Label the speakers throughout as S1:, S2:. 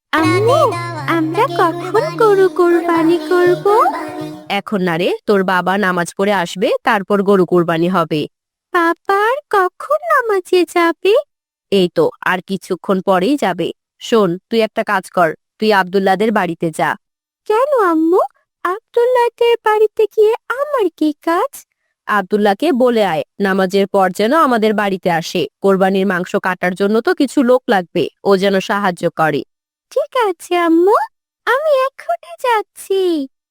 S1: আম্মু, আমরা কখন গরু কোরবানি করব? এখন না রে, তোর বাবা নামাজ পড়ে আসবে, তারপর গরু কোরবানি হবে। বাবার কখন নামাজে যাবে? এই তো আর কিছুক্ষণ পরেই যাবে। শোন, তুই একটা কাজ কর, তুই আব্দুল্লাদের বাড়িতে যা। কেন আম্মু? আব্দুল্লাদের বাড়িতে গিয়ে আমার কি কাজ? আব্দুল্লাহকে বলে আয় নামাজের পর যেন আমাদের বাড়িতে আসে। কোরবানির মাংস কাটার জন্য তো কিছু লোক লাগবে, ও যেন সাহায্য করে। ঠিক আছে আম্মু, আমি এখনই যাচ্ছি।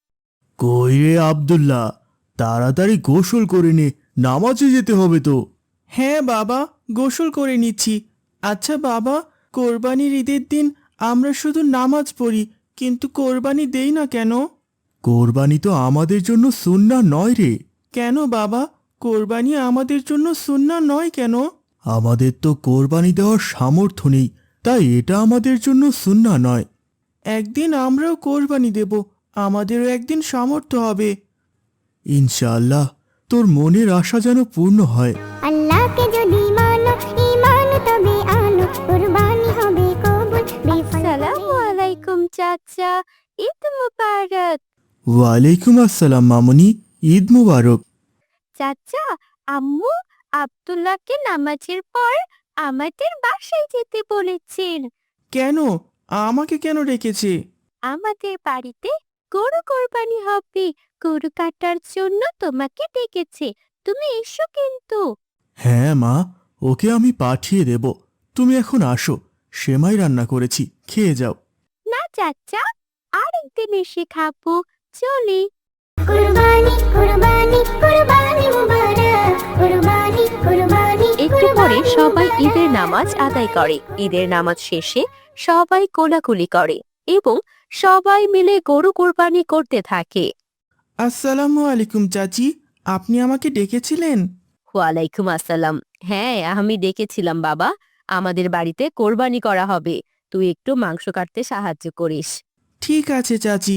S2: কই রে আব্দুল্লাহ, তাড়াতাড়ি গোসল করে নে, নামাজে যেতে হবে তো।
S3: হ্যাঁ বাবা, গোসল করে নিচ্ছি। আচ্ছা বাবা, কোরবানির ঈদের দিন আমরা শুধু নামাজ পড়ি, কিন্তু কোরবানি দেই না কেন?
S2: কোরবানি তো আমাদের জন্য সুন্নাহ নয় রে।
S3: কেন বাবা, কোরবানি আমাদের জন্য সুন্নাহ নয় কেন?
S2: আমাদের তো কোরবানি দেওয়ার সামর্থ্য নেই, তাই এটা আমাদের জন্য সুন্নাহ নয়।
S3: একদিন আমরাও কোরবানি দেব, আমাদেরও একদিন সামর্থ্য হবে।
S2: ইনশাআল্লাহ, তোর মনের আশা যেন পূর্ণ হয়।
S4: আল্লাহকে যদি মানো, ঈমান তবে আনো, কুরবানি হবে কবুল, বেফল
S1: আসসালামু আলাইকুম চাচা, ঈদ মুবারক।
S2: ওয়ালাইকুম আসসালাম মামুনি, ঈদ মুবারক।
S1: চাচা, আম্মু আব্দুল্লাহকে নামাজের পর আমাদের বাসায় যেতে বলেছেন।
S3: কেন? আমাকে কেন ডেকেছে?
S1: আমাদের বাড়িতে গরু কোরবানি হবে, গরু কাটার জন্য তোমাকে ডেকেছে। তুমি এসো কিন্তু।
S2: হ্যাঁ মা, ওকে আমি পাঠিয়ে দেব। তুমি এখন আসো, সেমাই রান্না করেছি, খেয়ে যাও।
S1: না চাচা, আরেকদিন এসে খাবো, চলি।
S4: কুরবানি কুরবানি কুরবানি মুবারক, কুরবানি কুরবানি
S1: একটু পরে
S4: কুরবানি
S1: সবাই
S4: মুবারক।
S1: ঈদের নামাজ আদায় করে। ঈদের নামাজ শেষে সবাই কোলাকুলি করে এবং সবাই মিলে গরু কোরবানি করতে থাকে।
S3: আসসালামু আলাইকুম চাচি, আপনি আমাকে ডেকেছিলেন?
S1: ওয়ালাইকুম আসসালাম। হ্যাঁ, আমি ডেকেছিলাম বাবা, আমাদের বাড়িতে কোরবানি করা হবে, তুই একটু মাংস কাটতে সাহায্য করিস।
S3: ঠিক আছে চাচি।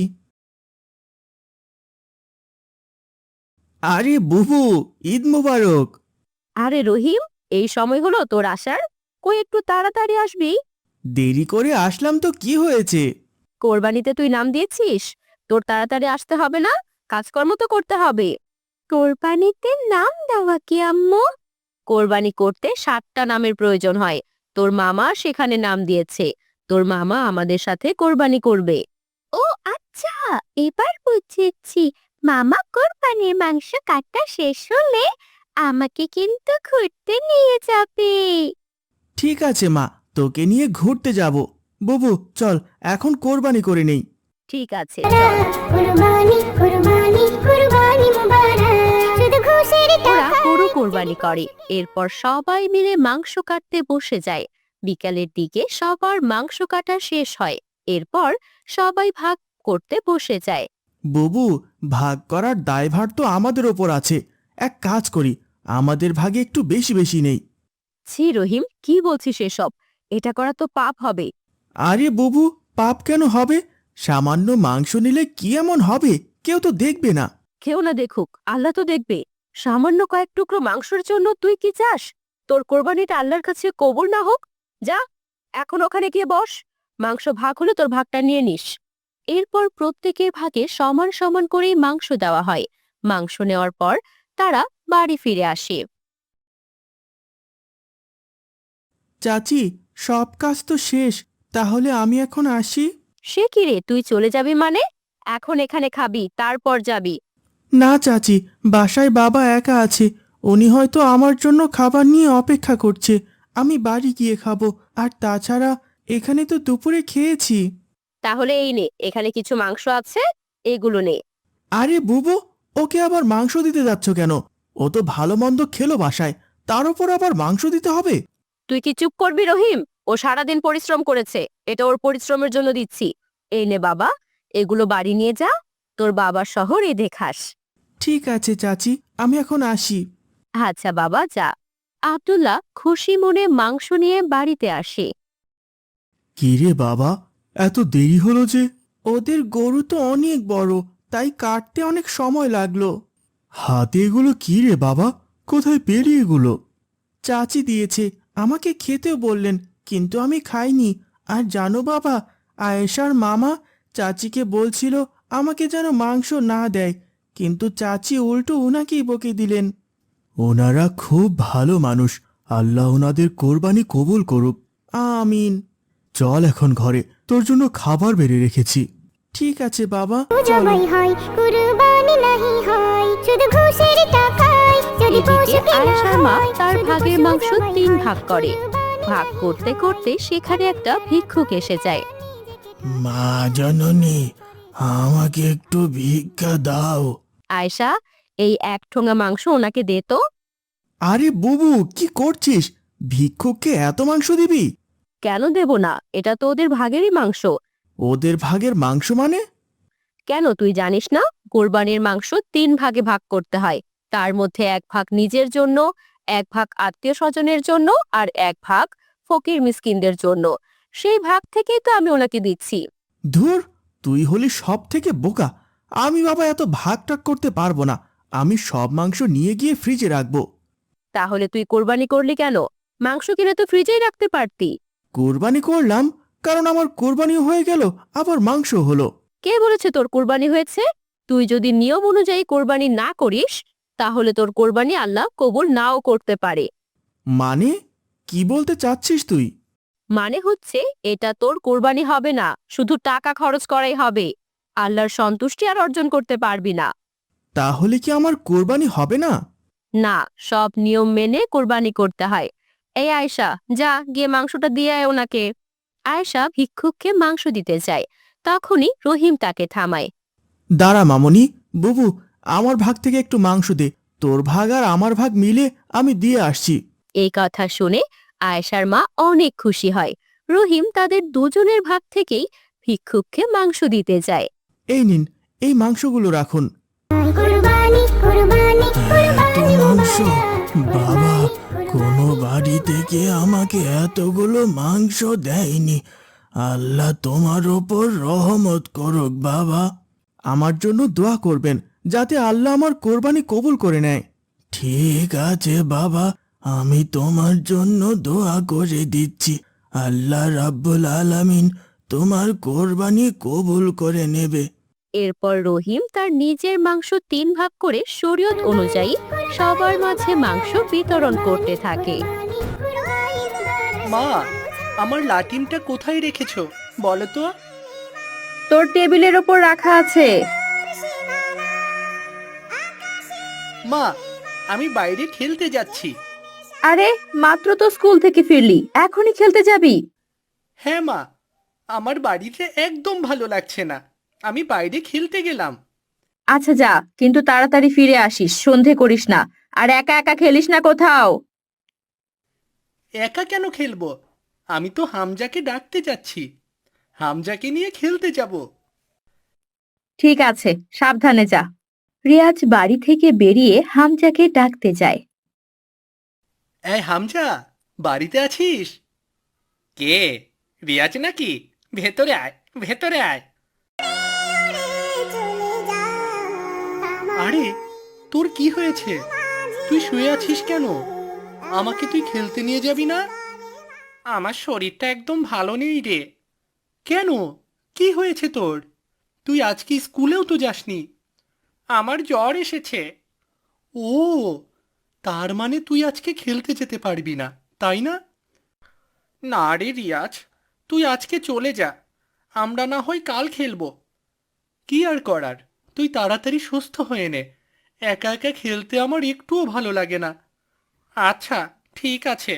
S3: আরে বুবু, ঈদ মুবারক।
S1: আরে রহিম, এই সময় হলো তোর আসার? কই একটু তাড়াতাড়ি আসবি।
S3: দেরি করে আসলাম তো কি হয়েছে?
S1: কোরবানিতে তুই নাম দিয়েছিস, তোর তাড়াতাড়ি আসতে হবে না? কাজকর্ম তো করতে হবে। কোরবানিতে নাম দেওয়া কি আম্মু? কোরবানি করতে 7টা নামের প্রয়োজন হয়। তোর মামা সেখানে নাম দিয়েছে, তোর মামা আমাদের সাথে কোরবানি করবে। ও আচ্ছা, এবার বুঝেছি। মামা কোরবানির মাংস কাটা শেষ হলে আমাকে কিন্তু ঘুরতে নিয়ে যাবে।
S3: ঠিক আছে মা, তোকে নিয়ে ঘুরতে যাব। বুবু চল, এখন কোরবানি করে নেই।
S1: ঠিক আছে, চল।
S4: কুরবানি কুরবানি কুরবানি মুবারক, শুধু খুশির
S1: ওরা
S4: টাকা।
S1: গরু কোরবানি করে, এরপর সবাই মিলে মাংস কাটতে বসে যায়। বিকালের দিকে সবার মাংস কাটা শেষ হয়, এরপর সবাই ভাগ করতে বসে যায়।
S3: বুবু, ভাগ করার দায়ভার তো আমাদের ওপর আছে। এক কাজ করি, আমাদের ভাগে একটু বেশি বেশি নেই।
S1: ছি রহিম, কি বলছিস এসব? এটা করা তো পাপ হবে।
S3: আরে বুবু, পাপ কেন হবে? সামান্য মাংস নিলে কি এমন হবে? কেউ তো দেখবে না।
S1: কেউ না দেখুক, আল্লাহ তো দেখবে। সামান্য কয়েক টুকরো মাংসের জন্য তুই কি চাস তোর কোরবানিটা আল্লাহর কাছে কবুল না হোক? যা, এখন ওখানে গিয়ে বস, মাংস ভাগ হলে তোর ভাগটা নিয়ে নিস। এরপর প্রত্যেকের ভাগে সমান সমান করেই মাংস দেওয়া হয়। মাংস নেওয়ার পর তারা বাড়ি ফিরে আসে।
S3: চাচি, সব কাজ তো শেষ, তাহলে আমি এখন আসি?
S1: সে কি রে, তুই চলে যাবি মানে? এখন এখানে খাবি, তারপর যাবি।
S3: না চাচি, বাসায় বাবা একা আছে, উনি হয়তো আমার জন্য খাবার নিয়ে অপেক্ষা করছে। আমি বাড়ি গিয়ে খাবো। আর তাছাড়া এখানে তো দুপুরে খেয়েছি।
S1: তাহলে এই নে, এখানে কিছু মাংস আছে, এগুলো নে।
S3: আরে বুবু, ওকে আবার মাংস দিতে যাচ্ছ কেন? ও তো ভালো মন্দ খেলো বাসায়, তার উপর আবার মাংস দিতে হবে?
S1: তুই কি চুপ করবি রহিম? ও সারাদিন পরিশ্রম করেছে, এটা ওর পরিশ্রমের জন্য দিচ্ছি। এই নে বাবা, এগুলো বাড়ি নিয়ে যা, তোর বাবার সহ রেঁধে খাস।
S3: ঠিক আছে চাচি, আমি এখন আসি।
S1: আচ্ছা বাবা, যা। আব্দুল্লাহ খুশি মনে মাংস নিয়ে বাড়িতে আসে।
S2: কি রে বাবা, এত দেরি হলো যে?
S3: ওদের গরু তো অনেক বড়, তাই কাটতে অনেক সময় লাগলো।
S2: হাতে এগুলো কি রে বাবা, কোথায় পেলি এগুলো?
S3: চাচি দিয়েছে, আমাকে খেতেও বললেন, কিন্তু আমি খাইনি। আর জানো বাবা, আয়েশার মামা চাচিকে বলছিল আমাকে যেন মাংস না দেয়, কিন্তু চাচি উল্টো উনাকেই বকে দিলেন।
S2: ওনারা খুব ভালো মানুষ, আল্লাহ ওনাদের কোরবানি কবুল করুক।
S3: আমিন।
S2: চল এখন ঘরে, তোর জন্য খাবার বেড়ে রেখেছি।
S3: ঠিক আছে বাবা, চলো।
S4: জবাই হয় কুরবানি নাহি হয় শুধু ঘুষের টাকায় যদি
S1: এদিকে
S4: পশু কেনা
S1: আয়েশার মা
S4: হয়,
S1: তার
S4: শুধু
S1: ভাগের
S4: পশু
S1: মাংস
S4: জবাই
S1: 3
S4: হয়,
S1: ভাগ করে।
S4: কুরবানি
S1: ভাগ করতে করতে সেখানে একটা ভিক্ষুক এসে যায়।
S2: মা জননী, আমাকে একটু ভিক্ষা দাও।
S1: আয়েশা, এই 1 ঠোঙা মাংস ওনাকে দে তো।
S3: আরে বুবু, কি করছিস? ভিক্ষুককে এত মাংস দিবি?
S1: কেন দেব না, এটা তো ওদের ভাগেরই মাংস।
S3: ওদের ভাগের মাংস মানে?
S1: কেন তুই জানিস না, কোরবানির মাংস 3 ভাগে ভাগ করতে হয়। তার মধ্যে 1 ভাগ নিজের জন্য, 1 ভাগ আত্মীয় স্বজনের জন্য, আর 1 ভাগ ফকির মিসকিনদের জন্য। সেই ভাগ থেকেই তো আমি ওনাকে দিচ্ছি।
S3: ধুর, তুই হলি সব থেকে বোকা। আমি বাবা এত ভাগ টাগ করতে পারবো না। আমি সব মাংস নিয়ে গিয়ে ফ্রিজে রাখবো।
S1: তাহলে তুই কোরবানি করলি কেন? মাংস কিনে তো ফ্রিজেই রাখতে পারতি।
S3: কোরবানি করলাম কারণ আমার কোরবানিও হয়ে গেল, আবার মাংস হলো।
S1: কে বলেছে তোর কোরবানি হয়েছে? তুই যদি নিয়ম অনুযায়ী কোরবানি না করিস, তাহলে তোর কোরবানি আল্লাহ কবুল নাও করতে পারে।
S3: মানে কি বলতে চাচ্ছিস তুই?
S1: মানে হচ্ছে, এটা তোর কোরবানি হবে না, শুধু টাকা খরচ করাই হবে। আল্লাহর সন্তুষ্টি আর অর্জন করতে পারবি না।
S3: তাহলে কি আমার কোরবানি হবে না?
S1: না, সব নিয়ম মেনে কোরবানি করতে হয়। এই আয়েশা, যা গিয়ে মাংসটা দিয়ে আয় ওনাকে। আয়েশা ভিক্ষুককে মাংস দিতে যায়, তখনই রহিম তাকে থামায়।
S3: দাঁড়া মামনি, বুবু, আমার ভাগ থেকে একটু মাংস দে। তোর ভাগ আর আমার ভাগ মিলে আমি দিয়ে আসছি।
S1: এই কথা শুনে আয়েশার মা অনেক খুশি হয়। রহিম তাদের দুজনের ভাগ থেকেই ভিক্ষুককে মাংস দিতে যায়।
S3: এই নিন, এই মাংসগুলো রাখুন।
S4: কুরবানি কুরবানি
S2: এত মাংস! বাবা, কোনো বাড়ি থেকে আমাকে এতগুলো মাংস দেয়নি। আল্লাহ তোমার ওপর রহমত করুক বাবা।
S3: আমার জন্য দোয়া করবেন যাতে আল্লাহ আমার কোরবানি কবুল করে নেয়।
S2: ঠিক আছে বাবা, আমি তোমার জন্য দোয়া করে দিচ্ছি। আল্লাহ রাব্বুল আলামিন তোমার কোরবানি কবুল করে নেবে।
S1: এরপর রহিম তার নিজের মাংস 3 ভাগ করে শরীয়ত অনুযায়ী সবার মাঝে মাংস বিতরণ করতে থাকে।
S5: মা, আমার লাটিমটা কোথায় রেখেছো বলো তো?
S1: তোর টেবিলের ওপর রাখা আছে।
S5: মা, আমি বাইরে খেলতে যাচ্ছি।
S1: আরে, মাত্র তো স্কুল থেকে ফিরলি, এখনই খেলতে যাবি?
S5: হ্যাঁ মা, আমার বাড়িতে একদম ভালো লাগছে না, আমি বাইরে খেলতে গেলাম।
S1: আচ্ছা যা, কিন্তু তাড়াতাড়ি ফিরে আসিস, সন্ধে করিস না। আর একা একা খেলিস না কোথাও।
S5: একা কেন খেলবো? আমি তো হামজাকে ডাকতে যাচ্ছি, হামজাকে নিয়ে খেলতে যাব।
S1: ঠিক আছে, সাবধানে যা। রিয়াজ বাড়ি থেকে বেরিয়ে হামজাকে ডাকতে যায়।
S5: এই হামজা, বাড়িতে আছিস? কে, রিয়াজ নাকি? ভেতরে আয়, ভেতরে আয়। আরে, তোর কি হয়েছে? তুই শুয়ে আছিস কেন? আমাকে তুই খেলতে নিয়ে যাবি না? আমার শরীরটা একদম ভালো নেই রে। কেন, কি হয়েছে তোর? তুই আজকে স্কুলেও তো যাসনি। আমার জ্বর এসেছে। ও, তার মানে তুই আজকে খেলতে যেতে পারবি না, তাই না? না রে রিয়াজ, তুই আজকে চলে যা, আমরা না হয় কাল খেলবো। কি আর করার, তুই তাড়াতাড়ি সুস্থ হয়ে নে। একা একা খেলতে আমার একটুও ভালো লাগে না। আচ্ছা, ঠিক আছে।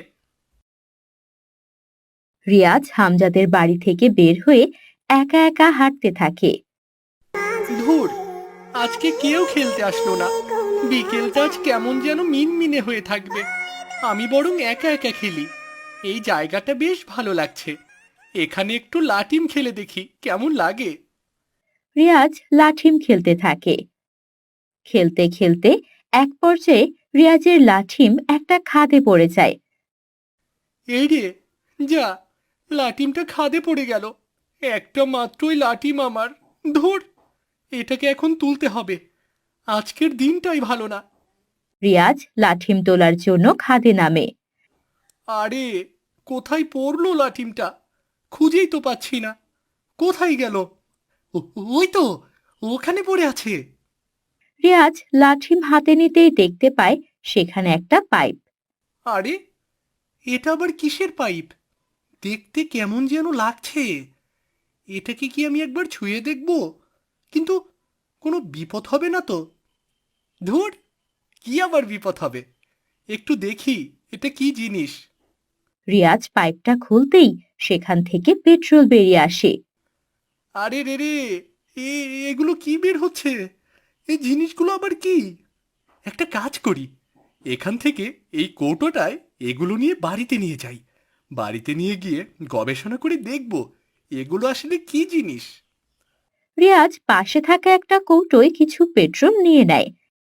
S1: রিয়াজ হামজাদের বাড়ি থেকে বের হয়ে একা একা হাঁটতে থাকে।
S5: ধুর, আজকে কেউ খেলতে আসলো না। বিকেলটা আজ কেমন যেন মিনমিনে হয়ে থাকবে। আমি বরং একা একা খেলি। এই জায়গাটা বেশ ভালো লাগছে। এখানে একটু লাটিম খেলে দেখি কেমন লাগে।
S1: রিয়াজ লাঠিম খেলতে থাকে। খেলতে খেলতে এক পর্যায়ে রিয়াজের লাঠিম একটা খাদে পড়ে যায়।
S5: এই রে, যা, লাটিমটা খাদে পড়ে গেল। একটা মাত্রই লাটিম আমার। ধুর, এটাকে এখন তুলতে হবে। আজকের দিনটাই ভালো না।
S1: রিয়াজ লাঠিম তোলার জন্য খাদে নামে।
S5: আরে, কোথায় পড়লো লাটিমটা? খুঁজেই তো পাচ্ছি না। কোথায় গেল? ওই তো, ওখানে পড়ে আছে।
S1: রিয়াজ লাঠি হাতে নিতেই দেখতে পায় সেখানে একটা পাইপ।
S5: আরে, এটা আবার কিসের পাইপ? দেখতে কেমন যেন লাগছে। এটাকে কি আমি একবার ছুঁয়ে দেখব? কিন্তু কোনো বিপদ হবে না তো? ধুর, কি আবার বিপদ হবে? একটু দেখি এটা কি জিনিস।
S1: রিয়াজ পাইপটা খুলতেই সেখান থেকে পেট্রোল বেরিয়ে আসে।
S5: আরে রে রে, এগুলো কি বের হচ্ছে? এই জিনিসগুলো আবার কি? একটা কাজ করি, এখান থেকে এই কৌটোটায় এগুলো নিয়ে বাড়িতে নিয়ে যাই। বাড়িতে নিয়ে গিয়ে গবেষণা করে দেখব এগুলো আসলে কি জিনিস।
S1: রিয়াজ পাশে থাকা একটা কৌটোয় কিছু পেট্রোল নিয়ে নেয়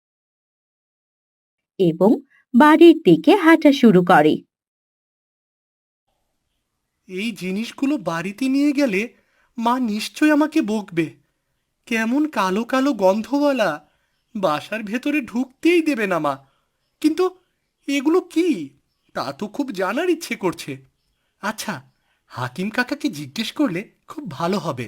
S1: এবং বাড়ির দিকে হাঁটা শুরু করে।
S5: এই জিনিসগুলো বাড়িতে নিয়ে গেলে মা নিশ্চয় আমাকে বকবে। কেমন কালো কালো গন্ধওয়ালা, বাসার ভেতরে ঢুকতেই দেবে না মা। কিন্তু এগুলো কি, তা তো খুব জানার ইচ্ছে করছে। আচ্ছা, হাকিম কাকাকে জিজ্ঞেস করলে খুব ভালো হবে।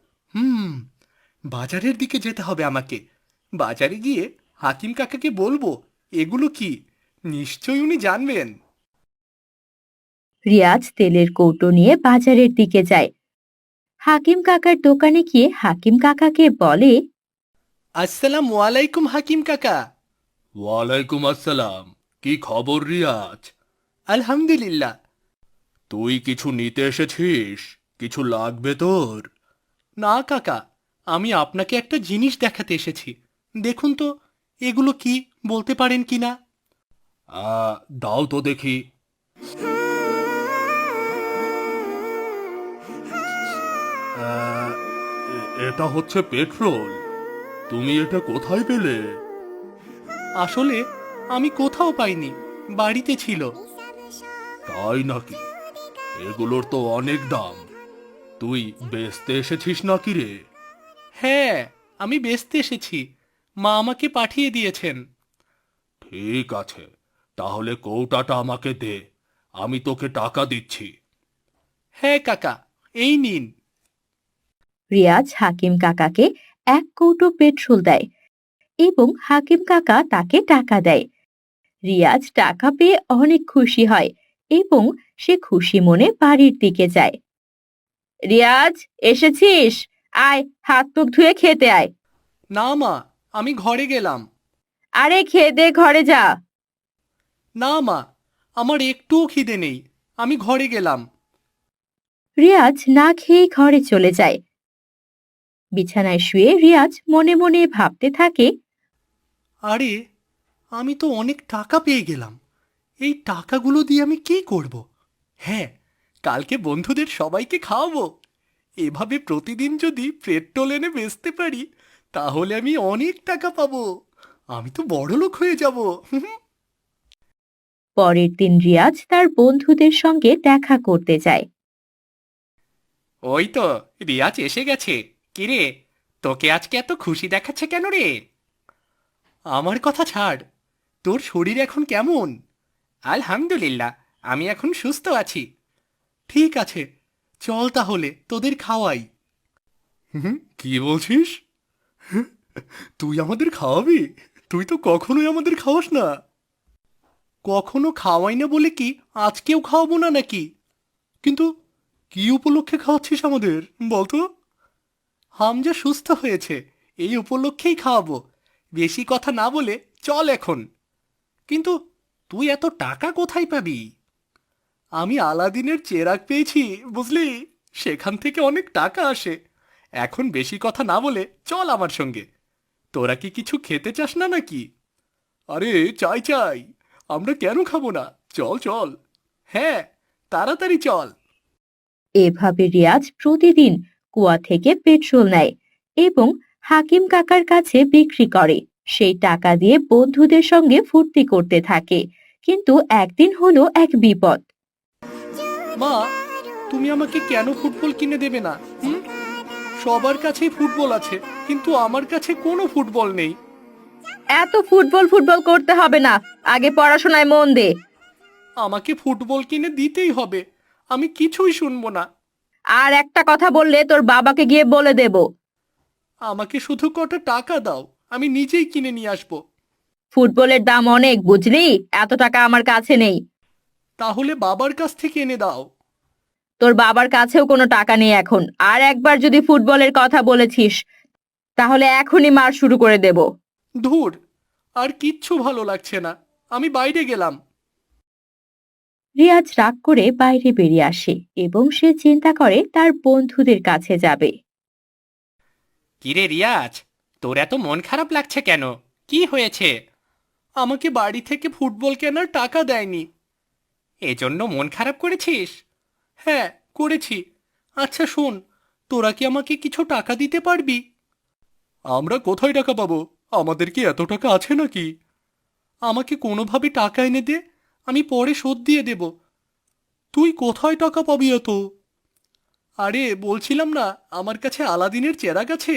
S5: বাজারের দিকে যেতে হবে আমাকে। বাজারে গিয়ে হাকিম কাকাকে বলবো এগুলো কি, নিশ্চয়ই উনি জানবেন।
S1: রিয়াজ তেলের কৌটো নিয়ে বাজারের দিকে যায়। হাকিম কাকার দোকানে গিয়ে হাকিম কাকাকে বলে,
S5: আসসালামু আলাইকুম হাকিম কাকা। ওয়ালাইকুম আসসালাম। কি খবর রিয়াজ? আলহামদুলিল্লাহ। তুই কিছু নিতে এসেছিস? কিছু লাগবে তোর? না কাকা, আমি আপনাকে একটা জিনিস দেখাতে এসেছি। দেখুন তো এগুলো কি, বলতে পারেন কিনা? দাও তো দেখি। এটা হচ্ছে পেট্রোল। তুমি এটা কোথায় পেলে? আসলে আমি কোথাও পাইনি, বাড়িতে ছিল। তাই নাকি? এগুলোর তো অনেক দাম। তুই বেচতে এসেছিস নাকি রে? হ্যাঁ, আমি বেচতে এসেছি। মা আমাকে পাঠিয়ে দিয়েছেন। ঠিক আছে, তাহলে কৌটাটা আমাকে দে, আমি তোকে টাকা দিচ্ছি। হ্যাঁ কাকা, এই নিন।
S1: রিয়াজ হাকিম কাকাকে এক কৌটো পেট্রোল দেয় এবং হাকিম কাকা তাকে টাকা দেয়। রিয়াজ টাকা পেয়ে অনেক খুশি হয় এবং সে খুশি মনে বাড়ির দিকে যায়। রিয়াজ, এসেছিস? আয়, হাত মুখ ধুয়ে খেতে আয়।
S5: না মা, আমি ঘরে গেলাম।
S1: আরে খেয়ে দে, ঘরে যা।
S5: না মা, আমার একটুও খিদে নেই, আমি ঘরে গেলাম।
S1: রিয়াজ না খেয়ে ঘরে চলে যায়। বিছানায় শুয়ে রিয়াজ মনে মনে ভাবতে থাকে,
S5: আরে, আমি তো অনেক টাকা পেয়ে গেলাম। এই টাকাগুলো দিয়ে আমি কি করব? হ্যাঁ, কালকে বন্ধুদের সবাইকে খাওয়াবো। এভাবে প্রতিদিন যদি পেট্রোল এনে বেচতে পারি, তাহলে আমি অনেক টাকা পাবো। আমি তো বড়লোক হয়ে যাব।
S1: পরের দিন রিয়াজ তার বন্ধুদের সঙ্গে দেখা করতে যায়।
S5: ওই তো রিয়াজ এসে গেছে। কিরে, তোকে আজকে এত খুশি দেখাচ্ছে কেন রে? আমার কথা ছাড়, তোর শরীর এখন কেমন? আলহামদুলিল্লাহ, আমি এখন সুস্থ আছি। ঠিক আছে, চল তাহলে তোদের খাওয়াই। কি বলছিস? তুই আমাদের খাওয়াবি? তুই তো কখনোই আমাদের খাওয়াস না। কখনো খাওয়াই না বলে কি আজকেও খাওয়াবো না নাকি? কিন্তু কি উপলক্ষে খাওয়াচ্ছিস আমাদের, বলতো? হামজা সুস্থ হয়েছে, এই উপলক্ষেই খাওয়াবো। বেশি কথা না বলে চল এখন। কিন্তু তুই এত টাকা কোথায় পাবি? আমি আলাদিনের চেরাগ পেয়েছি, বুঝলি? সেখান থেকে অনেক টাকা আসে। এখন বেশি কথা না বলে চল আমার সঙ্গে। তোরা কি কিছু খেতে চাস না নাকি? আরে চাই চাই, আমরা কেন খাবো না? চল চল। হ্যাঁ, তাড়াতাড়ি চল।
S1: এভাবে রিয়াজ প্রতিদিন কুয়া থেকে পেট্রোল নেয় এবং হাকিম কাকার কাছে বিক্রি করে। সেই টাকা দিয়ে বন্ধুদের সঙ্গে ফুর্তি করতে থাকে। কিন্তু একদিন হলো এক বিপদ।
S5: মা, তুমি আমাকে কেন ফুটবল কিনে দেবে না? সবার কাছেই ফুটবল আছে, কিন্তু আমার কাছে কোনো ফুটবল নেই।
S1: এত ফুটবল ফুটবল করতে হবে না, আগে পড়াশোনায় মন দে।
S5: আমাকে ফুটবল কিনে দিতেই হবে, আমি কিছুই শুনবো না।
S1: আর একটা কথা বললে তোর বাবাকে গিয়ে বলে দেব।
S5: আমাকে শুধু কটা টাকা দাও, আমি নিজেই কিনে নিয়ে আসবো।
S1: ফুটবলের দাম অনেক, বুঝলি? এত টাকা আমার কাছে নেই।
S5: তাহলে বাবার কাছ থেকে এনে দাও।
S1: তোর বাবার কাছেও কোনো টাকা নেই এখন। আর একবার যদি ফুটবলের কথা বলেছিস তাহলে এখনই মার শুরু করে দেব।
S5: ধুর, আর কিচ্ছু ভালো লাগছে না, আমি বাইরে গেলাম।
S1: রিয়াজ রাগ করে বাইরে বেরিয়ে আসে এবং সে চিন্তা করে তার বন্ধুদের কাছে যাবে।
S5: কিরে রিয়াজ, তোর এত মন খারাপ লাগছে কেন? কি হয়েছে? আমাকে বাড়ি থেকে ফুটবল কেনার টাকা দেয়নি, এজন্য মন খারাপ করেছিস? হ্যাঁ, করেছি। আচ্ছা শোন, তোরা কি আমাকে কিছু টাকা দিতে পারবি? আমরা কোথায় টাকা পাবো? আমাদের কি এত টাকা আছে নাকি? আমাকে কোনোভাবে টাকা এনে দে, আমি পরে শোধ দিয়ে দেব। তুই কোথায় টাকা পাবি এত? আরে বলছিলাম না, আমার কাছে আলাদিনের চেরাগ আছে।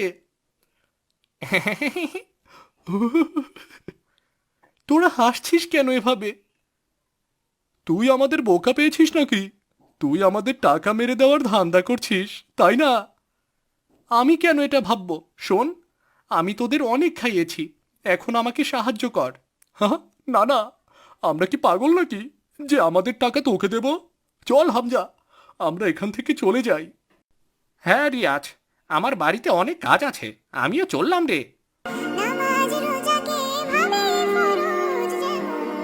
S5: তোরা হাসছিস কেন এভাবে? তুই আমাদের বোকা পেয়েছিস নাকি? তুই আমাদের টাকা মেরে দেওয়ার ধান্দা করছিস, তাই না? আমি কেন এটা ভাববো? শোন, আমি তোদের অনেক খাইয়েছি, এখন আমাকে সাহায্য কর। হ্যাঁ, না না, আমরা কি পাগল নাকি যে আমাদের টাকা তোকে দেব? চল হামজা, আমরা এখান থেকে চলে যাই। হ্যাঁ রিয়াজ, আমার বাড়িতে অনেক কাজ আছে, আমিও চললাম রে।
S4: নামাজ রোজাকে ভাবে ফরজ যেন।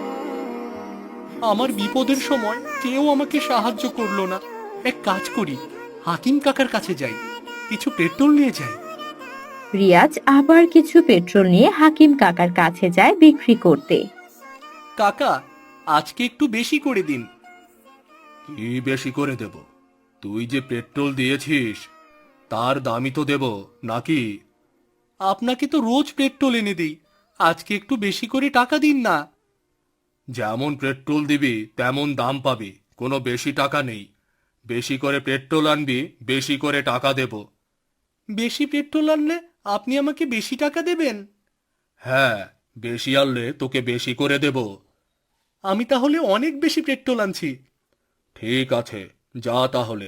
S5: আমার বিপদের সময় কেউ আমাকে সাহায্য করলো না। এক কাজ করি, হাকিম কাকার কাছে যাই, কিছু পেট্রোল নিয়ে যাই।
S1: রিয়াজ আবার কিছু পেট্রোল নিয়ে হাকিম কাকার কাছে যায় বিক্রি করতে।
S5: কাকা, আজকে একটু বেশি করে দিন। কি বেশি করে দেব? তুই যে পেট্রোল দিয়েছিস তার দামই তো দেব নাকি? আপনাকে তো রোজ পেট্রোল এনে দিই, আজকে একটু বেশি করে টাকা দিন না। যেমন পেট্রোল দিবি তেমন দাম পাবি, কোনো বেশি টাকা নেই। বেশি করে পেট্রোল আনবি, বেশি করে টাকা দেব। বেশি পেট্রোল আনলে আপনি আমাকে বেশি টাকা দেবেন? হ্যাঁ, বেশি আনলে তোকে বেশি করে দেব। আমি তাহলে অনেক বেশি পেট্রোল আনছি। ঠিক আছে, যা তাহলে।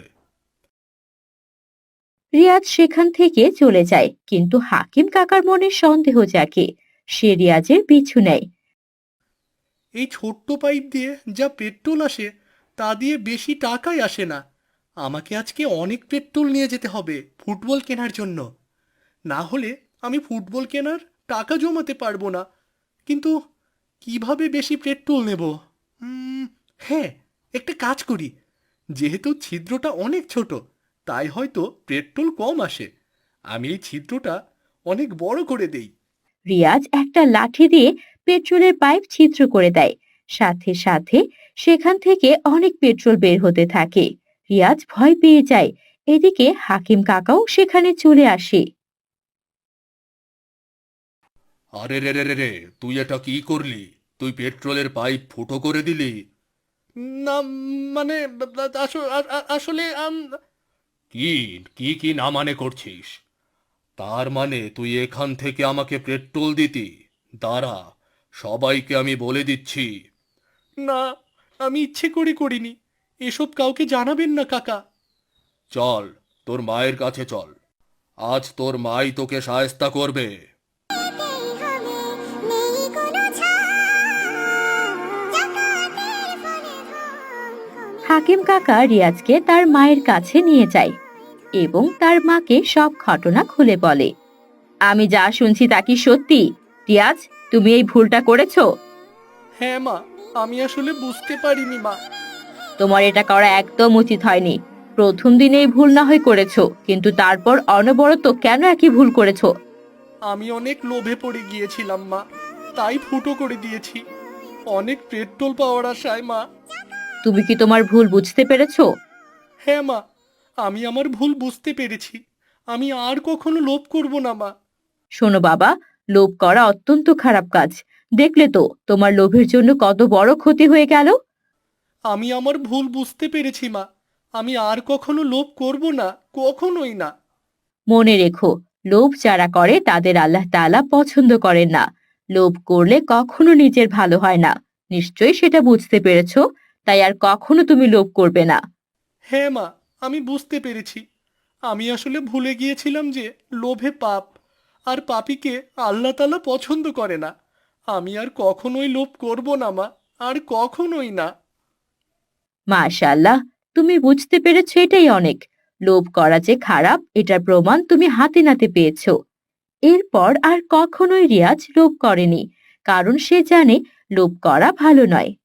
S1: রিয়াজ সেখান থেকে চলে যায়, কিন্তু হাকিম কাকার মনে সন্দেহ জাগে। সে রিয়াজের পিছু নেয়।
S5: এই ছোট্ট পাইপ দিয়ে যা পেট্রোল আসে তা দিয়ে বেশি টাকাই আসে না। আমাকে আজকে অনেক পেট্রোল নিয়ে যেতে হবে ফুটবল কেনার জন্য, না হলে আমি ফুটবল কেনার টাকা জমাতে পারবো না। কিন্তু কিভাবে বেশি পেট্রোল নেব? হ্যাঁ, একটা কাজ করি, যেহেতু ছিদ্রটা অনেক ছোট তাই হয়তো পেট্রোল কম আসে। আমি এই ছিদ্রটা অনেক বড় করে দেই।
S1: রিয়াজ একটা লাঠি দিয়ে পেট্রোলের পাইপ ছিদ্র করে দেয়। সাথে সাথে সেখান থেকে অনেক পেট্রোল বের হতে থাকে। রিয়াজ ভয় পেয়ে যায়। এদিকে হাকিম কাকাও সেখানে চলে আসে।
S5: আরে রে রে রে রে, তুই এটা কি করলি? তুই পেট্রোলের পাইপ ফুটো করে দিলি? না, মানে আসলে কি কি কি না মানে করছিস? তার মানে তুই এখান থেকে আমাকে পেট্রোল দিতি? দাঁড়া, সবাইকে আমি বলে দিচ্ছি। না, আমি ইচ্ছে করে করিনি, এসব কাউকে জানাবেন না কাকা। চল, তোর মায়ের কাছে চল, আজ তোর মাই তোকে শায়েস্তা করবে।
S4: এতেই হবে, নেই কোনো ছাড়। জাকাতের ফলে ধন কমে।
S1: হাকিম কাকা রিয়াজকে তার মায়ের কাছে নিয়ে যায় এবং তার মাকে সব ঘটনা খুলে বলে। আমি যা শুনছি তা কি সত্যি? রিয়াজ, তুমি এই ভুলটা করেছো?
S5: হ্যাঁ মা, আমি আসলে বুঝতে পারিনি মা।
S1: তোমার এটা করা একদম উচিত হয়নি। প্রথম দিনেই ভুল না হয় করেছো, কিন্তু তারপর অনবরত কেন একই ভুল করেছো?
S5: আমি অনেক লোভে পড়ে গিয়েছিলাম মা, তাই ফুটো করে দিয়েছি, অনেক পেট্রোল পাওয়ার আশায় মা।
S1: তুমি কি তোমার ভুল বুঝতে পেরেছো?
S5: হ্যাঁ মা, আমি আমার ভুল বুঝতে পেরেছি, আমি আর কখনো লোভ করব না মা।
S1: শোনো বাবা, লোভ করা অত্যন্ত খারাপ কাজ। দেখলে তো তোমার লোভের জন্য কত বড় ক্ষতি হয়ে গেল।
S5: আমি আমার ভুল বুঝতে পেরেছি মা, আমি আর কখনো লোভ করব না, কখনোই না।
S1: মনে রেখো, লোভ যারা করে তাদের আল্লাহ তাআলা পছন্দ করেন না। লোভ করলে কখনো নিজের ভালো হয় না। নিশ্চয়ই সেটা বুঝতে পেরেছো, তাই আর কখনো তুমি লোভ করবে না।
S5: হ্যাঁ মা, আমি বুঝতে পেরেছি। আমি আসলে ভুলে গিয়েছিলাম যে লোভে পাপ, আর পাপীকে আল্লাহ তাআলা পছন্দ করে না। আমি আর কখনোই লোভ করব না মা, আর কখনোই না।
S6: মাশাআল্লাহ, তুমি বুঝতে পেরেছো, এটাই অনেক। লোভ করা যে খারাপ এটার প্রমাণ তুমি হাতে নাতে পেয়েছো। এরপর আর কখনোই রিয়াজ লোভ করেনি, কারণ সে জানে লোভ করা ভালো নয়।